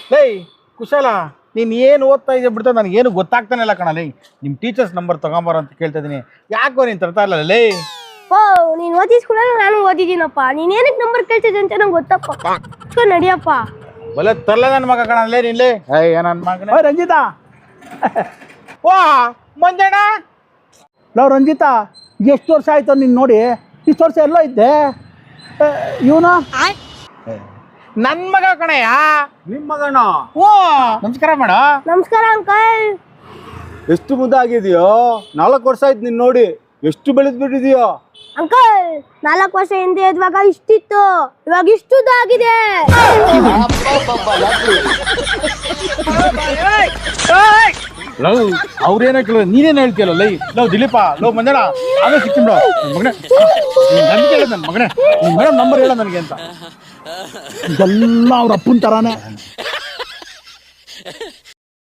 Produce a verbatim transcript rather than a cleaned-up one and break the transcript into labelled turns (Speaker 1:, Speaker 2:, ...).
Speaker 1: ಲೈ ಕುಶಾಲ, ನೀನು ಏನು ಓದ್ತಾ ಇದೆಯಾ ಬಿಡ್ತಾ ನನಗೇನು ಗೊತ್ತಾಗ್ತಾನೆ ಇಲ್ಲ ಕಣ. ಲೈ ನಿಮ್ಮ ಟೀಚರ್ಸ್ ನಂಬರ್ ತಗೊಂಬಾರ ಅಂತ ಕೇಳ್ತಾ ಇದ್ದೀನಿ, ಯಾಕೋ ನೀನು ತರ್ತಾ ಇಲ್ಲ ಲೈ?
Speaker 2: ಓ ನೀನು ಓದಿಸ್ಕೊಳ ನಾನು ಓದಿದ್ದೀನಪ್ಪ. ನೀನು ಏನಕ್ಕೆ ನಂಬರ್ ಕೇಳ್ತಿದ್ದೆ ಅಂತ ನಂಗೆ ಗೊತ್ತಪ್ಪ. ನಡಿಯಪ್ಪ.
Speaker 1: ಬಲೆ ತರಲ ನನ್ನ ಮಗ ಕಣ ಲೇ ನಿನ್ಲೆ. ಏಯ್ ನನ್ನ ಮಗನೇ.
Speaker 3: ಓ ರಂಜಿತಾ,
Speaker 1: ವಾ ಮಂಜಣ್ಣ.
Speaker 3: ಲವ್ ರಂಜಿತಾ, ಎಷ್ಟು ವರ್ಷ ಆಯ್ತು ನೀನು ನೋಡಿ? ಇಷ್ಟು ವರ್ಷ ಎಲ್ಲೋ ಇದ್ದೆ. ಇವನು
Speaker 1: ನನ್ನ ಮಗ ಕಣಯ್ಯ.
Speaker 4: ನಿಮ್ಮ ಮಗನ
Speaker 1: ಓ ನಮಸ್ಕಾರ ಮಾಡ.
Speaker 2: ನಮಸ್ಕಾರ ಅಂಕಲ್.
Speaker 4: ಎಷ್ಟು ಮುದ್ದಾಗಿದೆಯೋ, ನಾಲ್ಕು ವರ್ಷ ಆಯ್ತು ನೀನ್ ನೋಡಿ, ಎಷ್ಟು ಬೆಳೆದ್ ಬಿಟ್ಟಿದೆಯೋ.
Speaker 2: ಅಂಕಲ್ ನಾಲ್ಕು ವರ್ಷ ಹಿಂದೆ ಇದ್ವಾಗ ಇಷ್ಟಿತ್ತು, ಇವಾಗ ಇಷ್ಟುದಾಗಿದೆ.
Speaker 1: ಲವ್ ಅವ್ರೇನೋ ಕೇಳ ನೀನೇನು ಹೇಳ್ತೀಯಲ್ಲ ಲೈ. ಲವ್ ದಿಲೀಪ, ಲವ್ ಮಂಜಣ್ಣ, ಆಮೇಲೆ ಸಿಕ್ಕಿಬಿಡ ಮಗನೇ. ನನ್ ಕೇಳ ನನ್ನ ಮಗನೇ, ಮೇಡಮ್ ನಂಬರ್ ಹೇಳ ನನಗೆ ಅಂತ.
Speaker 3: ಇದೆಲ್ಲ ಅವ್ರ ಅಪ್ಪನ ಥರಾನೇ.